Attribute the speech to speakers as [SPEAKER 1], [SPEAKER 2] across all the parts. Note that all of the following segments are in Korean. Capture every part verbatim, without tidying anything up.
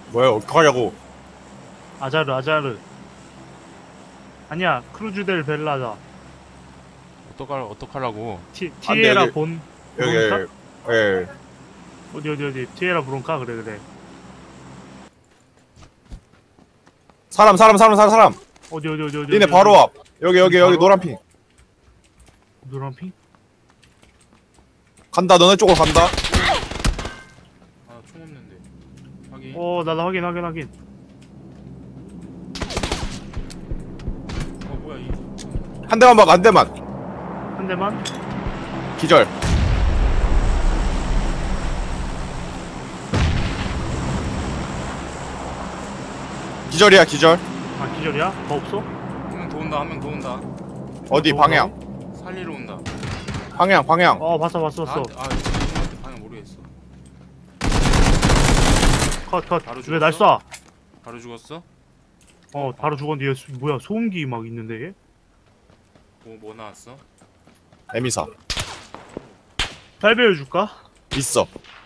[SPEAKER 1] 뭐야 어떡하냐고.
[SPEAKER 2] 아자르 아자르. 아니야 크루즈 델 벨라다.
[SPEAKER 3] 어떡할 어떡하라고.
[SPEAKER 2] 티,
[SPEAKER 1] 안 돼,
[SPEAKER 2] 티에라
[SPEAKER 1] 여기-
[SPEAKER 2] 본
[SPEAKER 1] 여기
[SPEAKER 2] 브론카?
[SPEAKER 1] 예
[SPEAKER 2] 어디 어디 어디 티에라 브론카. 그래 그래.
[SPEAKER 1] 사람 사람 사람 사람 사람
[SPEAKER 2] 어디 어디 어디 어디
[SPEAKER 1] 니네
[SPEAKER 2] 어디,
[SPEAKER 1] 바로
[SPEAKER 2] 어디?
[SPEAKER 1] 앞 여기 여기 여기
[SPEAKER 2] 바로?
[SPEAKER 1] 노란핑
[SPEAKER 2] 노란핑?
[SPEAKER 1] 간다. 너네 쪽으로 간다.
[SPEAKER 3] 아 총 없는데. 확인.
[SPEAKER 2] 어 나도 확인 확인 확인.
[SPEAKER 3] 어 뭐야 이.
[SPEAKER 1] 한 대만 막 한 대만.
[SPEAKER 2] 한 대만.
[SPEAKER 1] 기절. 기절이야 기절.
[SPEAKER 2] 아 기절이야? 더 없어?
[SPEAKER 3] 한 명 더 온다 한 명 더 온다.
[SPEAKER 1] 어디
[SPEAKER 2] 더
[SPEAKER 1] 방향
[SPEAKER 3] 살리러 온다.
[SPEAKER 1] 방향 방향.
[SPEAKER 2] 어 봤어 봤어 봤어.
[SPEAKER 3] 나한테 아 방향 모르겠어.
[SPEAKER 2] 컷컷.
[SPEAKER 3] 바로
[SPEAKER 2] 왜 날 쏴?
[SPEAKER 3] 죽었어? 바로 죽었어?
[SPEAKER 2] 어 바로 죽었는데 얘 수- 뭐야 소음기 막 있는데 얘?
[SPEAKER 3] 뭐 뭐 나왔어?
[SPEAKER 1] 에미사
[SPEAKER 2] 잘 배워줄까?
[SPEAKER 1] 있어.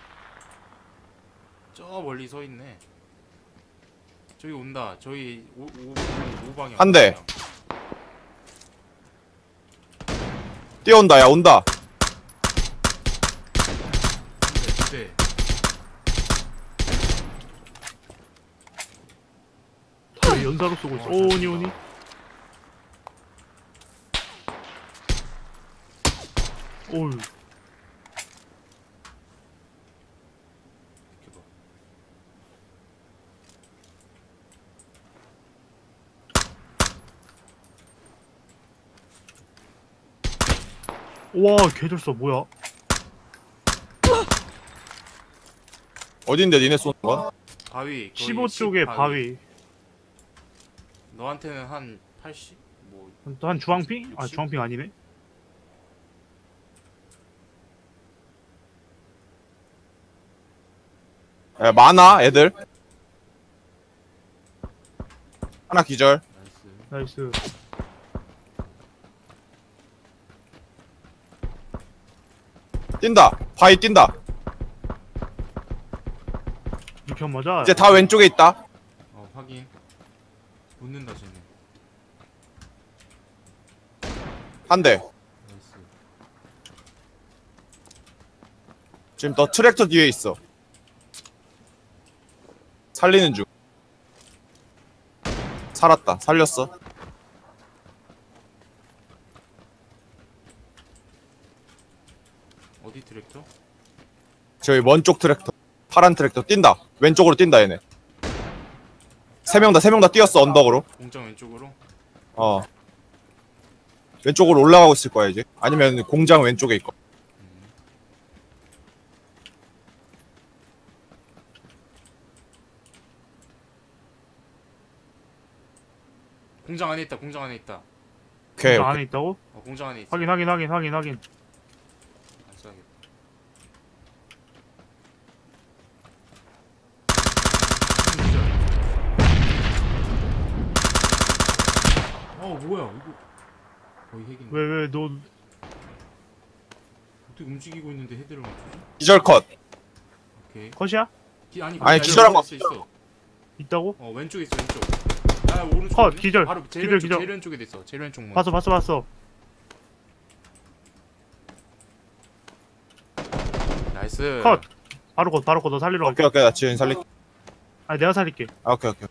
[SPEAKER 3] 저 멀리 서 있네. 저기 온다. 저희 오, 오, 오 방향.
[SPEAKER 1] 한 대. 뛰어온다. 야 온다.
[SPEAKER 3] 한 대.
[SPEAKER 2] 다 연사로 쏘고 있어.
[SPEAKER 3] 어,
[SPEAKER 2] 오
[SPEAKER 3] 잘
[SPEAKER 2] 오니
[SPEAKER 3] 쏜다.
[SPEAKER 2] 오니. 오우.
[SPEAKER 3] 이렇게 봐.
[SPEAKER 2] 와 개잘 쏴. 뭐야?
[SPEAKER 1] 어딘데 니네 쏘는 건?
[SPEAKER 3] 바위. 거의
[SPEAKER 2] 십오 쪽에
[SPEAKER 3] 십
[SPEAKER 2] 바위.
[SPEAKER 3] 너한테는 한 팔십? 뭐
[SPEAKER 2] 또 한 주황핑? 아
[SPEAKER 3] 육십?
[SPEAKER 2] 주황핑 아니네.
[SPEAKER 1] 야, 많아 애들. 하나 기절.
[SPEAKER 3] 나이스.
[SPEAKER 2] 나이스.
[SPEAKER 1] 뛴다. 바위 뛴다.
[SPEAKER 2] 이편 맞아.
[SPEAKER 1] 이제 다 왼쪽에 있다.
[SPEAKER 3] 어 확인. 웃는다 쟤네.
[SPEAKER 1] 한 대.
[SPEAKER 3] 나이스.
[SPEAKER 1] 지금 너 트랙터 뒤에 있어. 살리는 중. 살았다. 살렸어.
[SPEAKER 3] 어디 트랙터?
[SPEAKER 1] 저기 먼 쪽 트랙터. 파란 트랙터 뛴다. 왼쪽으로 뛴다 얘네. 세 명 다 세 명 다 뛰었어 언덕으로.
[SPEAKER 3] 공장 왼쪽으로?
[SPEAKER 1] 어. 왼쪽으로 올라가고 있을 거야 이제. 아니면 공장 왼쪽에 있고.
[SPEAKER 3] 음. 공장 안에 있다. 공장 안에 있다.
[SPEAKER 1] 오케이.
[SPEAKER 2] 저 안에 있다고?
[SPEAKER 3] 어 공장 안에 있어.
[SPEAKER 2] 확인 확인 확인 확인 확인.
[SPEAKER 3] 안 써야겠다. 어 뭐야 이거 거의 핵인데.
[SPEAKER 2] 왜 왜 너
[SPEAKER 3] 어떻게 움직이고 있는데 헤드를 맞추지?
[SPEAKER 1] 기절 컷.
[SPEAKER 3] 오케이.
[SPEAKER 2] 컷이야?
[SPEAKER 3] 기, 아니
[SPEAKER 1] 아니,
[SPEAKER 3] 거기
[SPEAKER 1] 기절한
[SPEAKER 3] 있어,
[SPEAKER 1] 거
[SPEAKER 3] 있어, 있어.
[SPEAKER 2] 있다고?
[SPEAKER 3] 어 왼쪽에 있어 왼쪽. 아 오른쪽.
[SPEAKER 2] 컷, 기절.
[SPEAKER 3] 바로 제일
[SPEAKER 2] 기절,
[SPEAKER 3] 왼쪽
[SPEAKER 2] 기절.
[SPEAKER 3] 제일 왼쪽에 있어. 제일 왼쪽 문.
[SPEAKER 2] 봤어 봤어 봤어.
[SPEAKER 3] 나이스.
[SPEAKER 2] 컷. 바로 컷 바로 컷. 너 살리러 갈게.
[SPEAKER 1] 오케이 오케이 나 지금 살리.
[SPEAKER 2] 아니 내가 살릴게.
[SPEAKER 1] 아 오케이 오케이.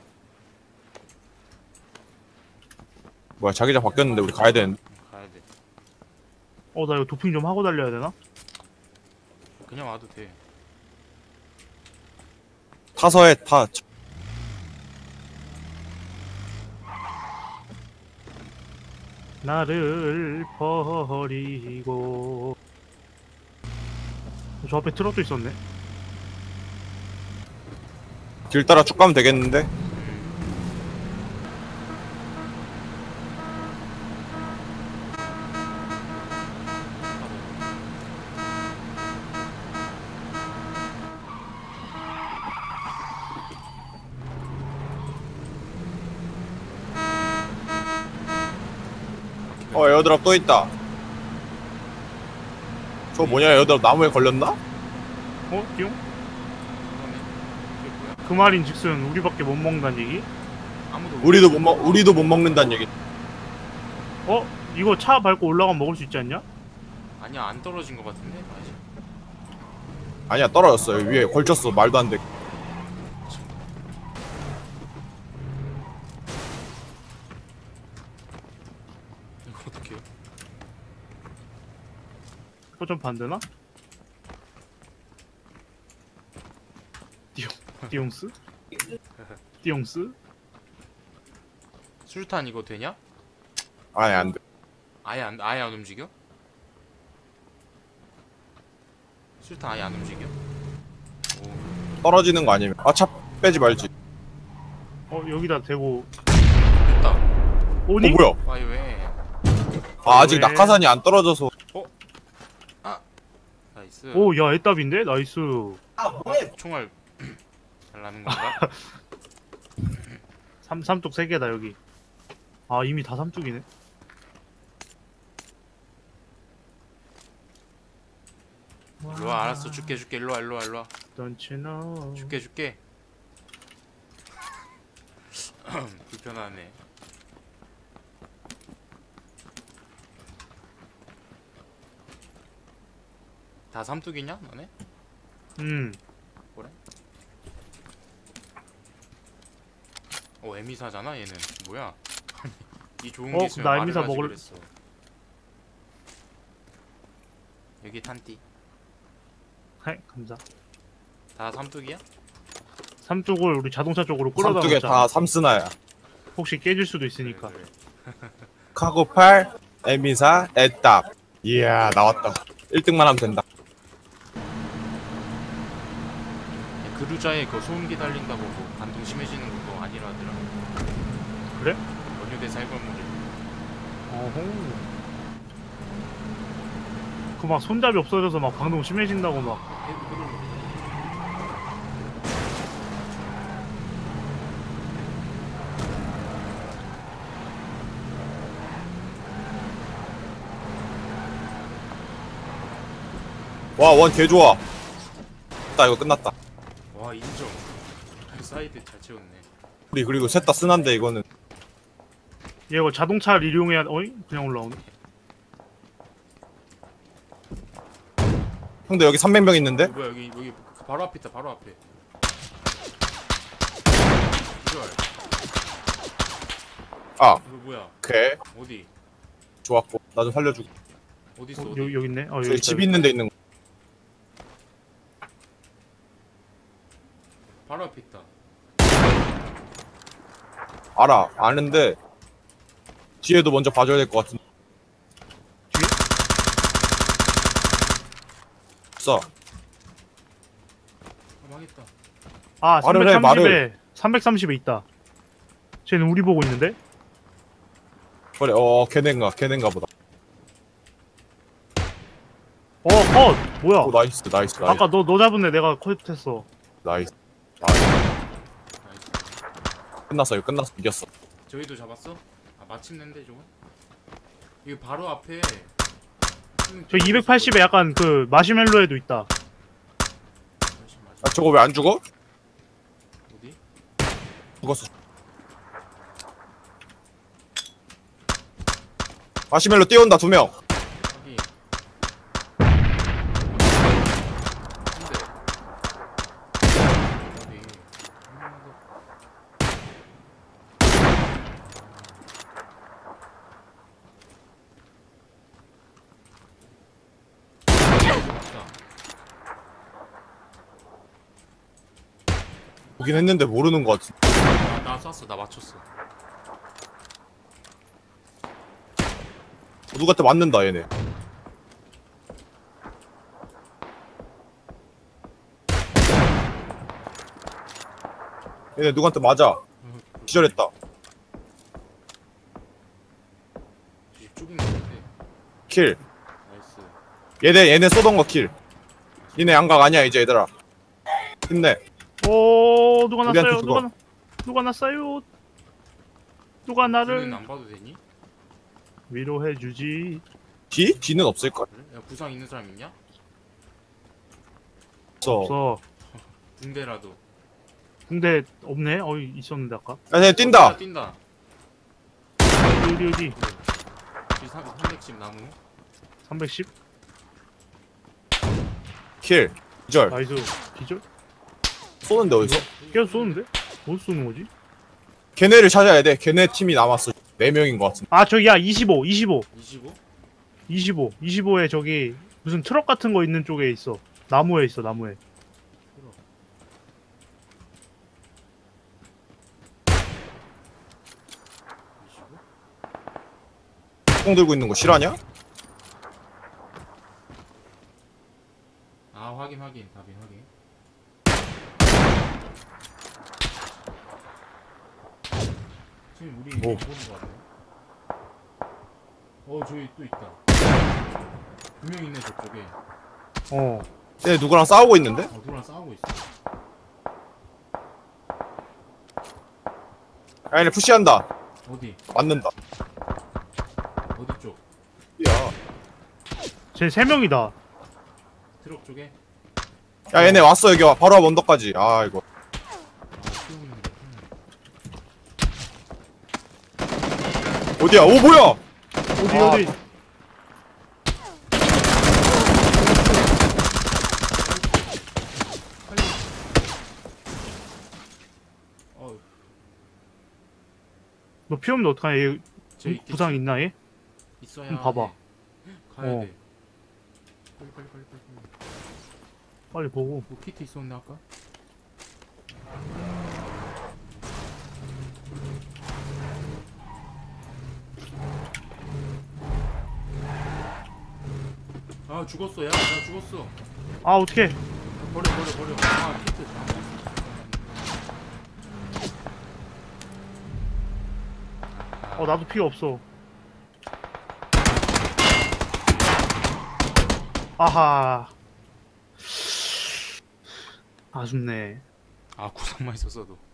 [SPEAKER 1] 뭐야 자기장 바뀌었는데 우리 가야 되는데.
[SPEAKER 3] 가야 돼.
[SPEAKER 2] 어 나 이거 도핑 좀 하고 달려야 되나?
[SPEAKER 3] 그냥 와도 돼.
[SPEAKER 1] 타서 해 타.
[SPEAKER 2] 나를 버리고. 저 앞에 트럭도 있었네.
[SPEAKER 1] 길 따라 쭉 가면 되겠는데. 어 에어드랍 또 있다. 저거 뭐냐 에어드랍 나무에 걸렸나?
[SPEAKER 2] 어? 띠용?
[SPEAKER 3] 그러네. 이게 뭐야?
[SPEAKER 2] 그 말인 즉슨 우리밖에 못 먹는다는 얘기?
[SPEAKER 3] 아무도
[SPEAKER 1] 우리도 못 먹 우리도 못 먹는다는 얘기.
[SPEAKER 2] 어? 이거 차 밟고 올라가면 먹을 수 있지 않냐?
[SPEAKER 3] 아니야 안 떨어진 것 같은데 아직.
[SPEAKER 1] 아니야 떨어졌어. 여기 위에 걸쳤어. 말도 안 돼.
[SPEAKER 3] 이거 어떡해요?
[SPEAKER 2] 이거 좀 반대나? 띠용, 띠용스? 띠용스?
[SPEAKER 3] 술탄 이거 되냐?
[SPEAKER 1] 아니 안 돼.
[SPEAKER 3] 아예 안 아예 안 움직여? 술탄 아예 안 움직여? 오
[SPEAKER 1] 떨어지는 거 아니면 아차 빼지 말지.
[SPEAKER 2] 어 여기다 대고
[SPEAKER 3] 됐다.
[SPEAKER 2] 오니?
[SPEAKER 1] 어 뭐야?
[SPEAKER 3] 아이 왜?
[SPEAKER 1] 아 아직
[SPEAKER 2] 왜?
[SPEAKER 1] 낙하산이 안 떨어져서.
[SPEAKER 3] 나이스.
[SPEAKER 2] 오 야 애답인데? 나이스.
[SPEAKER 3] 총알 달라는 건가?
[SPEAKER 2] 삼, 삼뚝 세 개다 여기. 아 이미 다 삼뚝이네.
[SPEAKER 3] 일로와 알았어 줄게 줄게 일로와 일로와 일로와
[SPEAKER 2] Don't you know?
[SPEAKER 3] 줄게 줄게. 불편하네. 다 삼뚝이냐 너네?
[SPEAKER 2] 음.
[SPEAKER 3] 그래? 어 에미사잖아 얘는. 뭐야? 이 좋은
[SPEAKER 2] 어,
[SPEAKER 3] 게 있으면
[SPEAKER 2] 나
[SPEAKER 3] 말을
[SPEAKER 2] 에미사
[SPEAKER 3] 하지
[SPEAKER 2] 먹을-
[SPEAKER 3] 그랬어. 여기 탄띠.
[SPEAKER 2] 하이 감사.
[SPEAKER 3] 다 삼뚝이야?
[SPEAKER 2] 삼뚝을 우리 자동차 쪽으로 끌어다
[SPEAKER 1] 삼뚝에
[SPEAKER 2] 놓자.
[SPEAKER 1] 다 삼스나야.
[SPEAKER 2] 혹시 깨질 수도 있으니까.
[SPEAKER 3] 그래, 그래.
[SPEAKER 1] 카고팔, 에미사, 애답. 이야 나왔다. 일 등만 하면 된다.
[SPEAKER 3] 야, 그루자에 그 소음기 달린다고 뭐 반동 심해지는 거 아니라더라.
[SPEAKER 2] 그래?
[SPEAKER 3] 원효대 살벌물이.
[SPEAKER 2] 어허. 그 막 손잡이 없어져서 막 방동 심해진다고 막.
[SPEAKER 1] 와 원 개 좋아. 나 이거 끝났다.
[SPEAKER 3] 와 인정. 사이드 잘 채웠네.
[SPEAKER 1] 우리 그리고 셋 다 쓰난데 이거는.
[SPEAKER 2] 얘 이거 자동차를 이용해야 어이? 그냥 올라오네.
[SPEAKER 1] 형들 여기 삼백 명 있는데?
[SPEAKER 3] 어, 뭐야 여기 여기 바로 앞에 있다 바로 앞에. 이걸
[SPEAKER 1] 아
[SPEAKER 3] 이거 뭐야?
[SPEAKER 1] 오케이
[SPEAKER 3] 어디?
[SPEAKER 1] 좋았고 나 좀 살려주고.
[SPEAKER 3] 어디 있어?
[SPEAKER 2] 어,
[SPEAKER 3] 어디?
[SPEAKER 2] 여기, 여기 있네. 어, 여기
[SPEAKER 1] 저기
[SPEAKER 2] 있다,
[SPEAKER 1] 집
[SPEAKER 2] 여기
[SPEAKER 1] 있는 데 있는 거.
[SPEAKER 3] 바로 앞에 있다.
[SPEAKER 1] 알아 아는데 뒤에도 먼저 봐줘야 될 것 같은데.
[SPEAKER 2] 뒤에?
[SPEAKER 1] 써.
[SPEAKER 3] 아, 망했다.
[SPEAKER 2] 아,
[SPEAKER 1] 말을 해,
[SPEAKER 2] 삼백삼십에 삼백삼십에 있다. 쟤는 우리 보고 있는데?
[SPEAKER 1] 그래 어 걔넨가 걔넨가 보다.
[SPEAKER 2] 어, 컷! 뭐야?
[SPEAKER 1] 오 나이스 나이스 나이스
[SPEAKER 2] 아까 너, 너 잡은 애 내가 컷했어.
[SPEAKER 1] 나이스 나이스.
[SPEAKER 3] 나이스.
[SPEAKER 1] 끝났어 이거 끝났어 이겼어.
[SPEAKER 3] 저희도 잡았어? 아 마침내인데 저거? 이거 바로 앞에.
[SPEAKER 2] 저 이백팔십에 약간 그 마시멜로에도 있다.
[SPEAKER 1] 아 저거 왜 안 죽어?
[SPEAKER 3] 어디?
[SPEAKER 1] 죽었어. 마시멜로 뛰어온다 두 명.
[SPEAKER 3] 여기. 한대. 어디?
[SPEAKER 1] 보긴 했는데 모르는 것 같은데.
[SPEAKER 3] 나, 나 쐈어. 나 맞췄어.
[SPEAKER 1] 누구한테 맞는다 얘네. 얘네 누구한테 맞아. 기절했다.
[SPEAKER 3] 쪼긴 있는데.
[SPEAKER 1] 킬.
[SPEAKER 3] 나이스.
[SPEAKER 1] 얘네 얘네 쏘던 거 킬. 얘네 양각 아니야 이제 얘들아. 힘내.
[SPEAKER 2] 오, 누가
[SPEAKER 1] 우리한테
[SPEAKER 2] 났어요?
[SPEAKER 1] 죽어.
[SPEAKER 2] 누가, 나- 누가 났어요? 누가
[SPEAKER 3] 뒤는
[SPEAKER 2] 나를
[SPEAKER 3] 안 봐도 되니?
[SPEAKER 2] 위로해주지.
[SPEAKER 1] 뒤? 뒤는 없을걸?
[SPEAKER 3] 그래? 야 부상 있는 사람 있냐?
[SPEAKER 1] 없어.
[SPEAKER 2] 없어.
[SPEAKER 3] 붕대라도.
[SPEAKER 2] 근데 없네. 어이 있었는데 아까.
[SPEAKER 1] 야, 쟤 뛴다.
[SPEAKER 3] 뛴다.
[SPEAKER 2] 어디 어디 어디.
[SPEAKER 3] 여기 삼백십 나무.
[SPEAKER 2] 삼백십.
[SPEAKER 1] 킬. 기절.
[SPEAKER 2] 나이스. 기절?
[SPEAKER 1] 쏘는데 어디서?
[SPEAKER 2] 계속 쏘는데? 어디서 쏘는 거지?
[SPEAKER 1] 걔네를 찾아야 돼. 걔네 팀이 남았어. 네 명인 것 같은데.
[SPEAKER 2] 아 저기 야 이십오 이십오
[SPEAKER 3] 이십오?
[SPEAKER 2] 이십오 이십오에 저기 무슨 트럭 같은 거 있는 쪽에 있어. 나무에 있어 나무에.
[SPEAKER 3] 이십오?
[SPEAKER 1] 총 들고 있는 거 실화냐?
[SPEAKER 3] 아 확인 확인 답인 확인. 지금 우리
[SPEAKER 1] 오.
[SPEAKER 3] 보는 거 같네. 어 저기 또 있다. 두 명 있네 저쪽에.
[SPEAKER 2] 어.
[SPEAKER 1] 쟤네 누구랑 싸우고 있는데?
[SPEAKER 3] 어 누구랑 싸우고 있어.
[SPEAKER 1] 야, 얘네 푸시한다.
[SPEAKER 3] 어디?
[SPEAKER 1] 맞는다.
[SPEAKER 3] 어디 쪽?
[SPEAKER 1] 야.
[SPEAKER 2] 쟤 세 명이다.
[SPEAKER 3] 트럭 쪽에?
[SPEAKER 1] 야, 얘네 왔어, 여기 와. 바로 앞 언덕까지. 아, 이거.
[SPEAKER 3] 아 키우고 있는 거.
[SPEAKER 1] 어디야? 오, 뭐야!
[SPEAKER 2] 어디
[SPEAKER 1] 아.
[SPEAKER 2] 어디.
[SPEAKER 3] 빨리. 어
[SPEAKER 2] 너 피 없는데 어떡하냐. 얘
[SPEAKER 3] 쟤 있겠지.
[SPEAKER 2] 부상 있나 얘?
[SPEAKER 3] 있어야
[SPEAKER 2] 좀 봐봐.
[SPEAKER 3] 해. 가야
[SPEAKER 2] 어.
[SPEAKER 3] 돼. 빨리 빨리 빨리 빨리. 빨리.
[SPEAKER 2] 빨리 보고.
[SPEAKER 3] 뭐 키트 있었네 아까? 아 죽었어. 야, 나 죽었어.
[SPEAKER 2] 아 어떡해.
[SPEAKER 3] 버려 버려 버려. 아 키트.
[SPEAKER 2] 어 나도 피가 없어. 아하. 아쉽네.
[SPEAKER 3] 아 구상만 있었어도.